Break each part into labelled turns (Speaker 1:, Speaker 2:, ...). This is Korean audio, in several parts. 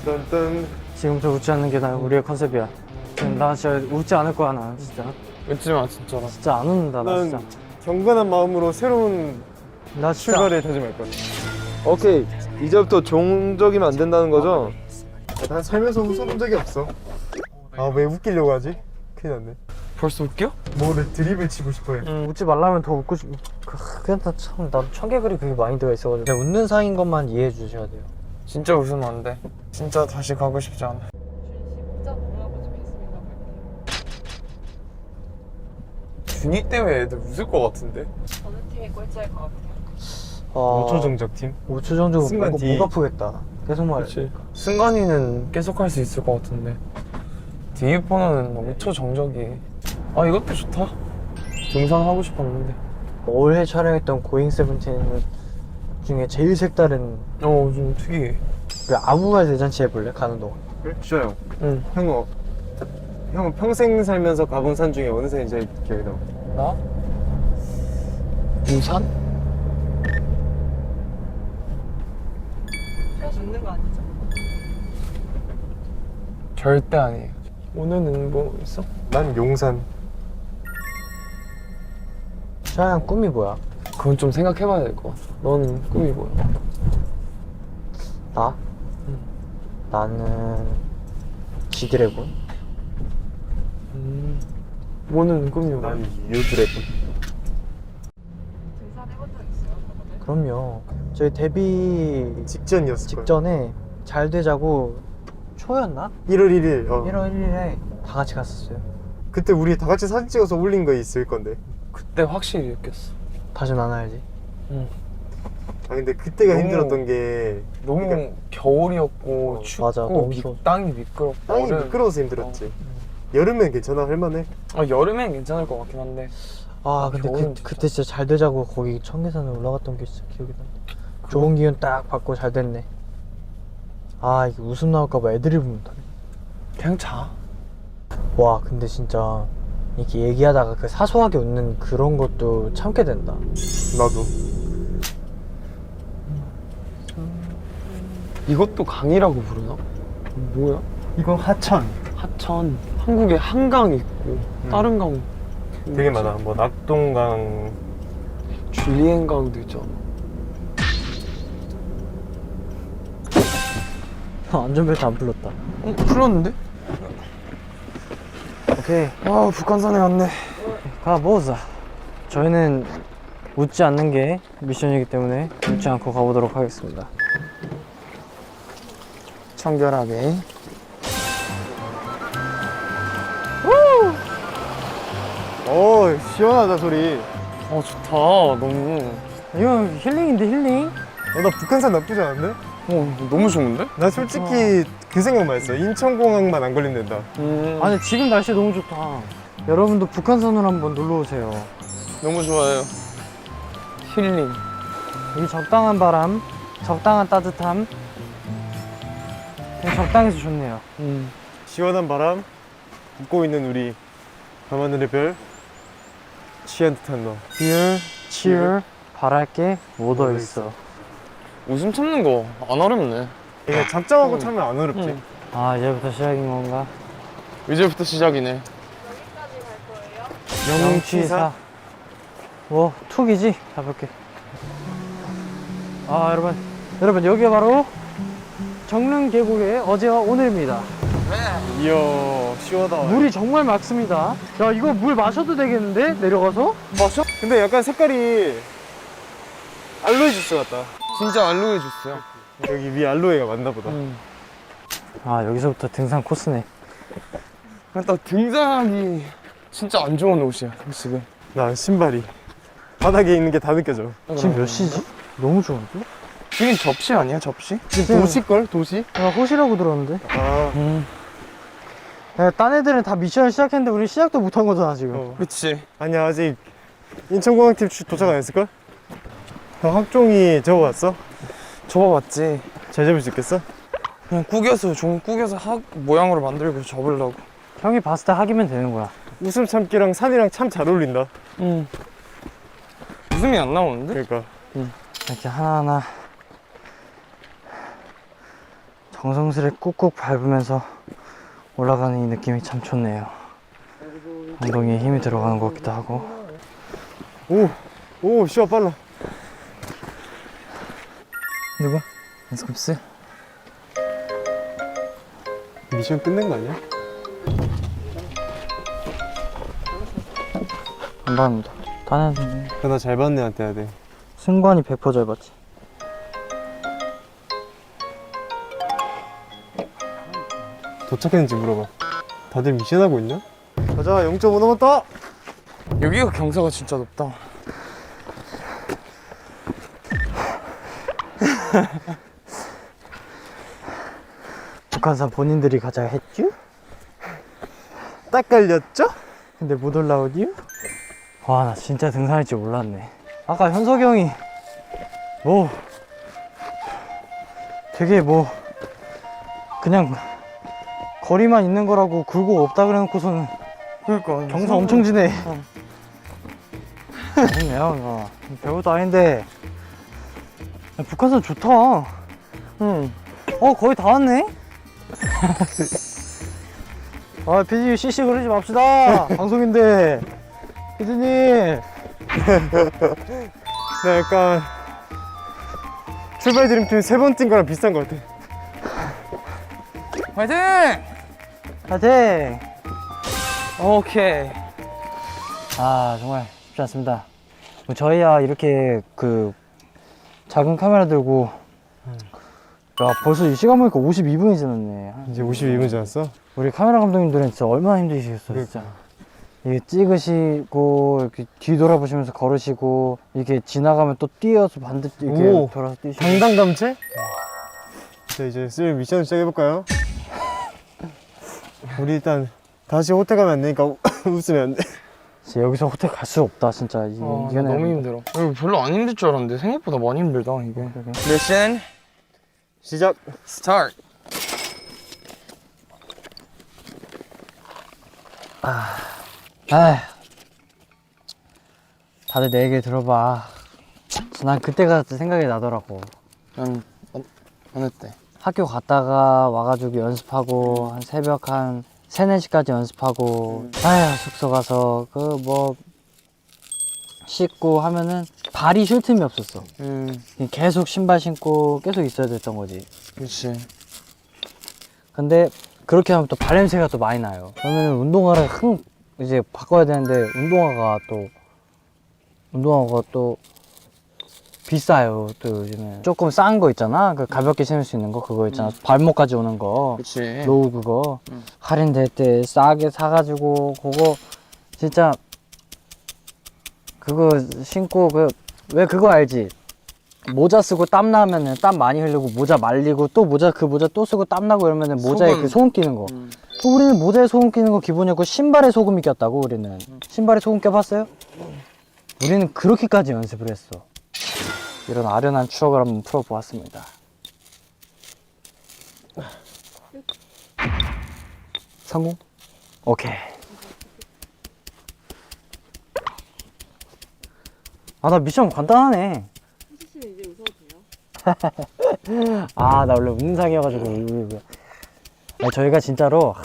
Speaker 1: 딴딴.
Speaker 2: 지금부터 웃지 않는 게 우리의 컨셉이야. 나 진짜 웃지 않을 거야, 나 진짜.
Speaker 3: 웃지 마, 진짜로.
Speaker 2: 진짜 안 웃는다, 나 진짜.
Speaker 1: 난 경건한 마음으로 새로운
Speaker 2: 나 진짜.
Speaker 1: 출발을 다짐할 거야.
Speaker 4: 오케이, 이제부터 종적이면 안 된다는 거죠?
Speaker 1: 난 살면서 웃어본 적이 없어. 아, 왜 웃기려고 하지? 큰일 났네.
Speaker 3: 벌써 웃겨?
Speaker 1: 뭐를 드립을 치고 싶어 해.
Speaker 2: 웃지 말라면 더 웃고 싶. 그냥 나도 청개구리 그게 마인드가 있어가지고. 그냥 웃는 사이인 것만 이해해 주셔야 돼요.
Speaker 3: 진짜 웃으면 안 돼. 진짜 다시 가고 싶지 않아. 준이 때문에 애들 웃을 것 같은데?
Speaker 5: 어느 팀이 꼴찌할 것 같아요?
Speaker 1: 5초 정적 팀.
Speaker 2: 5초 정도
Speaker 1: 순간
Speaker 2: 목
Speaker 1: 뒤.
Speaker 2: 아프겠다. 계속 말해.
Speaker 3: 그렇지. 승관이는 계속 할 수 있을 것 같은데 디이퍼는 5초 정적이. 아, 이것도 좋다. 등산하고 싶었는데.
Speaker 2: 올해 촬영했던 고잉 세븐틴 중에 제일 색다른
Speaker 3: 좀 특이해.
Speaker 2: 그 아무말 대잔치 해볼래? 가는 동안.
Speaker 1: 그래? 좋아요.
Speaker 3: 응.
Speaker 1: 형은 평생 살면서 가본 산 중에 어느 산이 제일 기억에 남아?
Speaker 3: 나? 우산?
Speaker 5: 표 죽는 거 아니죠?
Speaker 3: 절대 아니에요. 오늘은 뭐 있어?
Speaker 1: 난 용산.
Speaker 2: 샤양 꿈이 뭐야?
Speaker 3: 그건 좀 생각해봐야 될 것 같아. 너는 꿈이 뭐야?
Speaker 2: 나? 나는 지드래곤.
Speaker 3: 뭐는 꿈이 뭐야?
Speaker 1: 난 유드래곤.
Speaker 5: 등산 해본 적 있어요?
Speaker 2: 그럼요. 저희 데뷔
Speaker 1: 직전이었을 거야.
Speaker 2: 직전에 잘 되자고 초였나?
Speaker 1: 1월 1일.
Speaker 2: 1월 1일에 다 같이 갔었어요.
Speaker 1: 그때 우리 다 같이 사진 찍어서 올린 거 있을 건데.
Speaker 3: 그때 확실히 느꼈어.
Speaker 2: 다시 나눠야지.
Speaker 3: 응.
Speaker 1: 아, 근데 그때가
Speaker 3: 너무-
Speaker 1: 힘들었던 게
Speaker 3: 너무
Speaker 1: 그러니까-
Speaker 3: 겨울이었고 춥고
Speaker 2: 맞아, 너무 추워.
Speaker 3: 땅이 미끄럽고
Speaker 1: 땅이
Speaker 3: 얼음.
Speaker 1: 미끄러워서 힘들었지. 여름엔 괜찮아, 할만해.
Speaker 3: 여름엔 괜찮을 것 같긴 한데.
Speaker 2: 아 근데
Speaker 3: 겨울은 진짜.
Speaker 2: 그때 진짜 잘 되자고 거기 청계산에 올라갔던 게 진짜 기억이 난다. 좋은 기운 딱 받고 잘 됐네. 아 이게 웃음 나올까봐 애드립을 못하네.
Speaker 3: 그냥 자.
Speaker 2: 와 근데 진짜 이렇게 얘기하다가 그 사소하게 웃는 그런 것도 참게 된다.
Speaker 1: 나도.
Speaker 3: 이것도 강이라고 부르나? 뭐야?
Speaker 1: 이건 하천.
Speaker 3: 하천. 한국에 한강 있고 다른 강
Speaker 1: 되게 많아. 뭐 낙동강.
Speaker 3: 줄리엔강도 있잖아.
Speaker 2: 안전벨트 안 풀렸다.
Speaker 3: 풀렸는데?
Speaker 2: 오케이
Speaker 3: 아, 북한산에 왔네.
Speaker 2: 가보자. 저희는 웃지 않는 게 미션이기 때문에 웃지 않고 가보도록 하겠습니다.
Speaker 3: 청결하게.
Speaker 1: 오, 시원하다 소리.
Speaker 3: 좋다. 너무.
Speaker 2: 이거 힐링인데 힐링?
Speaker 1: 나 북한산 나쁘지 않은데?
Speaker 3: 너무 좋은데?
Speaker 1: 나 솔직히 그 생각만 했어. 인천공항만 안 걸리면 된다.
Speaker 2: 아니 지금 날씨 너무 좋다. 여러분도 북한산으로 한번 놀러 오세요.
Speaker 3: 너무 좋아요. 힐링.
Speaker 2: 이 적당한 바람, 적당한 따뜻함, 그냥 적당해서 좋네요.
Speaker 1: 시원한 바람, 웃고 있는 우리, 밤하늘의 별, 취한 듯한 너.
Speaker 2: Dear, cheer, 바랄게 묻어 있어.
Speaker 3: 웃음 참는 거 안 어렵네.
Speaker 1: 이게 작정하고 참으면 안 어렵지.
Speaker 2: 아 이제부터 시작인 건가?
Speaker 3: 이제부터 시작이네.
Speaker 5: 여기까지 갈 거예요?
Speaker 2: 영취사. 뭐 툭이지? 가볍게. 아 여러분 여기가 바로 정릉 계곡의 어제와 오늘입니다.
Speaker 1: 이야, 시원하다.
Speaker 2: 물이 정말 맑습니다. 야 이거 물 마셔도 되겠는데? 내려가서?
Speaker 1: 마셔? 근데 약간 색깔이 알로에 주스 같다.
Speaker 3: 진짜 알로에 주스야.
Speaker 1: 여기 위에 알로에가 많나 보다.
Speaker 2: 아 여기서부터 등산 코스네.
Speaker 3: 일단 등산하기 진짜 안 좋은 옷이야, 지금.
Speaker 1: 나 신발이 바닥에 있는 게 다 느껴져.
Speaker 2: 지금 몇 시지? 너무 좋은데?
Speaker 3: 지금 접시 아니야, 접시?
Speaker 2: 지금
Speaker 1: 도시걸? 도시?
Speaker 2: 나 호시라고 들었는데?
Speaker 1: 아,
Speaker 2: 야, 딴 애들은 다 미션을 시작했는데 우리 시작도 못한 거잖아 지금.
Speaker 1: 어.
Speaker 3: 그치.
Speaker 1: 아니야, 아직 인천공항팀 도착 안 했을걸? 형 학종이 저거 왔어?
Speaker 3: 접어봤지.
Speaker 1: 잘 잡을 수 있겠어?
Speaker 3: 그냥 구겨서, 종 구겨서 모양으로 만들고 접으려고.
Speaker 2: 형이 봤을 때 학이면 되는 거야.
Speaker 1: 웃음 참기랑 산이랑 참 잘 어울린다.
Speaker 3: 웃음이 안 나오는데?
Speaker 1: 그러니까
Speaker 2: 이렇게 하나하나 정성스레 꾹꾹 밟으면서 올라가는 이 느낌이 참 좋네요. 엉덩이에 힘이 들어가는 것 같기도 하고.
Speaker 1: 오, 시야 빨라.
Speaker 2: 누구? 연습스?
Speaker 1: 미션 끝낸 거 아니야?
Speaker 2: 안 받는다. 다른
Speaker 1: 나 잘 받는 애한테 해야 돼.
Speaker 2: 승관이 100% 잘 받지.
Speaker 1: 도착했는지 물어봐. 다들 미션 하고 있냐? 가자, 0.5 남았다.
Speaker 3: 여기가 경사가 진짜 높다.
Speaker 2: 북한산 본인들이 가자 했쥬?
Speaker 1: 딱 걸렸죠?
Speaker 2: 근데 못 올라오디요? 와, 나 진짜 등산할 줄 몰랐네. 아까 현석이 형이 뭐 되게 뭐 그냥 거리만 있는 거라고 굴곡 없다 그래놓고서는
Speaker 3: 그러니까
Speaker 2: 경사 엄청 지네. 아니네요, 이거. 별것도 아닌데. 야, 북한산 좋다.
Speaker 3: 응.
Speaker 2: 거의 다 왔네? 아, 피디님 CC 그러지 맙시다. 방송인데. 피디님.
Speaker 1: 나 약간 출발 드림팀 3번 뛴 거랑 비슷한 거 같아.
Speaker 3: 화이팅!
Speaker 2: 파이팅!
Speaker 3: 오케이.
Speaker 2: 아, 정말 쉽지 않습니다. 뭐 저희야 이렇게 그 작은 카메라 들고 야, 벌써 이 시간 보니까 52분이 지났네.
Speaker 1: 이제 52분 지났어?
Speaker 2: 우리 카메라 감독님들은 진짜 얼마나 힘드시겠어, 진짜. 이게 찍으시고 이렇게 뒤돌아보시면서 걸으시고 이렇게 지나가면 또 뛰어서 반대 이렇게
Speaker 1: 오.
Speaker 2: 돌아서 뛰시고.
Speaker 1: 당당감체? 자, 이제 슬 미션을 시작해볼까요? 우리 일단 다시 호텔 가면 안 되니까 웃으면 안 돼.
Speaker 2: 진짜 여기서 호텔 갈 수 없다, 진짜. 이게
Speaker 3: 나
Speaker 2: 이거는
Speaker 3: 너무 힘들어. 이거 별로 안 힘들 줄 알았는데 생각보다 많이 힘들다 이게. 미션
Speaker 1: 시작!
Speaker 3: 스타트.
Speaker 2: 아휴, 다들 내 얘기 들어봐. 난 그때가 생각이 나더라고.
Speaker 3: 난 어느 때?
Speaker 2: 학교 갔다가 와가지고 연습하고 한 새벽 한 3, 4시까지 연습하고 아휴, 숙소 가서 그 뭐 씻고 하면은 발이 쉴 틈이 없었어. 계속 신발 신고 계속 있어야 됐던 거지.
Speaker 3: 그렇지.
Speaker 2: 근데 그렇게 하면 또 발냄새가 또 많이 나요. 그러면은 운동화를 이제 바꿔야 되는데 운동화가 또 비싸요. 또 요즘에 조금 싼 거 있잖아. 그 가볍게 신을 수 있는 거 그거 있잖아. 발목까지 오는 거.
Speaker 3: 그렇지.
Speaker 2: 로우 그거 할인될 때 싸게 사가지고 그거 진짜 그거 신고 왜 그거 알지? 모자 쓰고 땀 나면은 땀 많이 흘리고 모자 말리고 또 그 모자 또 쓰고 땀 나고 이러면은 모자에
Speaker 3: 소금.
Speaker 2: 그 소금 끼는 거. 또 우리는 모자에 소금 끼는 거 기본이었고 신발에 소금이 꼈다고 우리는. 신발에 소금 껴봤어요? 우리는 그렇게까지 연습을 했어. 이런 아련한 추억을 한번 풀어보았습니다. 성공? 오케이. 아, 나 미션 간단하네.
Speaker 5: 해주시면 이제 웃어도 돼요?
Speaker 2: 아, 나 원래 웃는 상이어가지고. 아, 저희가 진짜로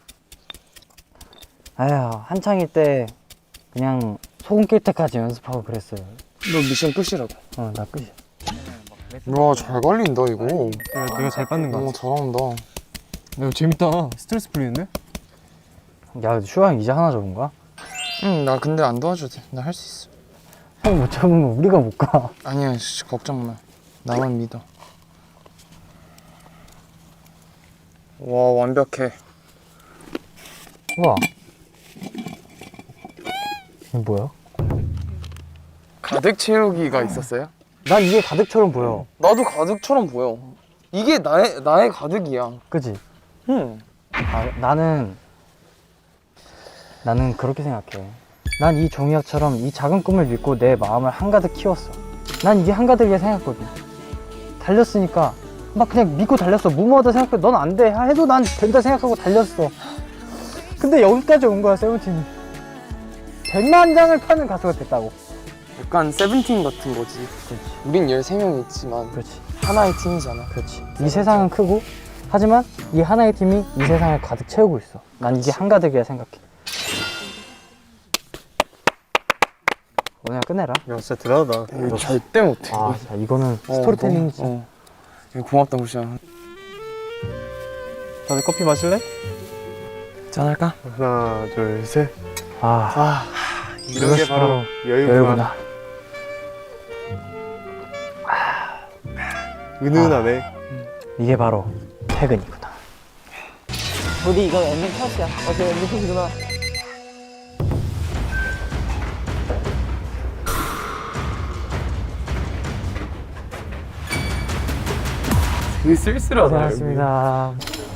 Speaker 2: 한창일 때 그냥 소금 낄 때까지 연습하고 그랬어요.
Speaker 3: 너 미션 끝이라고.
Speaker 2: 나 끝이야.
Speaker 3: 와, 잘 걸린다 이거.
Speaker 1: 내가 잘 받는 거 같아.
Speaker 3: 잘한다.
Speaker 1: 이거 재밌다. 스트레스 풀리는데?
Speaker 2: 야, 슈아 형 이제 하나 적은 거야?
Speaker 3: 응, 나 근데 안 도와줘도 돼. 나 할 수 있어.
Speaker 2: 형 못 적으면 우리가 못 가.
Speaker 3: 아니야, 걱정 마. 나만 믿어. 와, 완벽해.
Speaker 2: 우와. 이게 뭐야?
Speaker 3: 가득 채우기가 있었어요?
Speaker 2: 난 이게 가득처럼 보여.
Speaker 3: 나도 가득처럼 보여. 이게 나의 가득이야.
Speaker 2: 그치?
Speaker 3: 응.
Speaker 2: 나는 그렇게 생각해. 난 이 종이학처럼 이 작은 꿈을 믿고 내 마음을 한가득 키웠어. 난 이게 한가득이라 생각했거든. 달렸으니까 막 그냥 믿고 달렸어. 무모하다 생각해. 넌 안 돼. 해도 난 된다 생각하고 달렸어. 근데 여기까지 온 거야, 세븐틴이. 100만 장을 파는 가수가 됐다고.
Speaker 3: 약간 세븐틴 같은 거지.
Speaker 2: 그렇지.
Speaker 3: 우린 13명이 있지만
Speaker 2: 그렇지.
Speaker 3: 하나의 팀이잖아.
Speaker 2: 그렇지. 이 세상은 크고 하지만 이 하나의 팀이 이 세상을 가득 채우고 있어. 난 이게 한가득이라 생각해. 오늘 끝내라.
Speaker 1: 야 진짜 대단하다.
Speaker 3: 이거 절대 못해.
Speaker 2: 아, 자, 이거는 스토리텔링이지.
Speaker 3: 이거 고맙다 구시야.
Speaker 1: 다들 커피 마실래?
Speaker 3: 짠할까?
Speaker 1: 하나 둘 셋.
Speaker 2: 아,
Speaker 1: 이런 게
Speaker 2: 이것이
Speaker 1: 바로 여유구나.
Speaker 2: 여유구나.
Speaker 1: 은은하네.
Speaker 2: 이게 바로 퇴근이구나.
Speaker 5: 우리 이거 엔딩 컷이야.
Speaker 1: 오케이 엔딩 컷이구나.
Speaker 3: 되게 쓸쓸하다.
Speaker 2: 고생하셨습니다.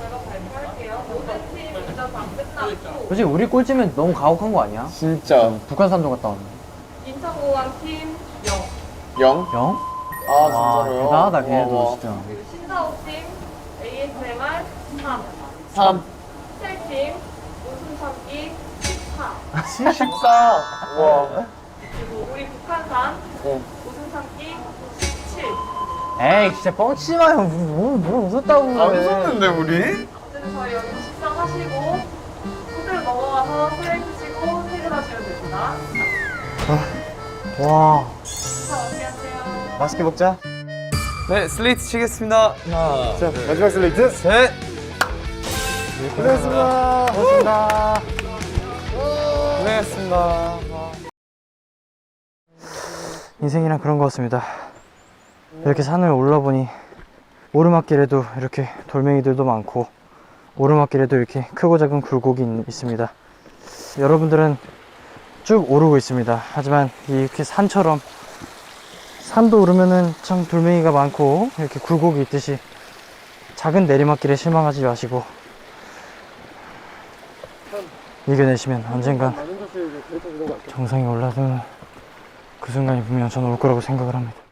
Speaker 2: 솔직히 우리 꼴찌면 너무 가혹한 거 아니야?
Speaker 3: 진짜.
Speaker 2: 북한 산도 갔다 왔네.
Speaker 5: 인천공항 팀 0.
Speaker 3: 0?
Speaker 2: 영?
Speaker 3: 아
Speaker 2: 아, 대단하다 걔네도 진짜.
Speaker 5: 그리고 신사옥 팀 ASMR 3.
Speaker 3: 3.
Speaker 5: 스텔팀 웃음 참기 14.
Speaker 3: 14. 와.
Speaker 5: 그리고 우리 북한산
Speaker 3: 어.
Speaker 5: 웃음 참기 17.
Speaker 2: 에이 진짜 뻥치지 마요. 뭘 웃었다고 그래.
Speaker 3: 안 웃었는데 우리?
Speaker 5: 어쨌든 저희 여기 식사하시고 호텔 넘어가서 수행 드시고 퇴근하시면 됩니다.
Speaker 2: 와.
Speaker 5: 식사 어떻게 하세요?
Speaker 1: 맛있게 먹자.
Speaker 3: 네, 슬레이트 치겠습니다. 하나.
Speaker 1: 자 마지막 슬레이트.
Speaker 3: 셋.
Speaker 1: 고생했습니다.
Speaker 2: 고맙습니다.
Speaker 3: 고생했습니다.
Speaker 2: 인생이란 그런 것 같습니다. 이렇게 산을 올라보니 오르막길에도 이렇게 돌멩이들도 많고 오르막길에도 이렇게 크고 작은 굴곡이 있습니다. 여러분들은 쭉 오르고 있습니다. 하지만 이렇게 산처럼 산도 오르면은 참 돌멩이가 많고 이렇게 굴곡이 있듯이 작은 내리막길에 실망하지 마시고 이겨내시면 언젠간 정상에 올라서는 그 순간이 분명 저는 올 거라고 생각을 합니다.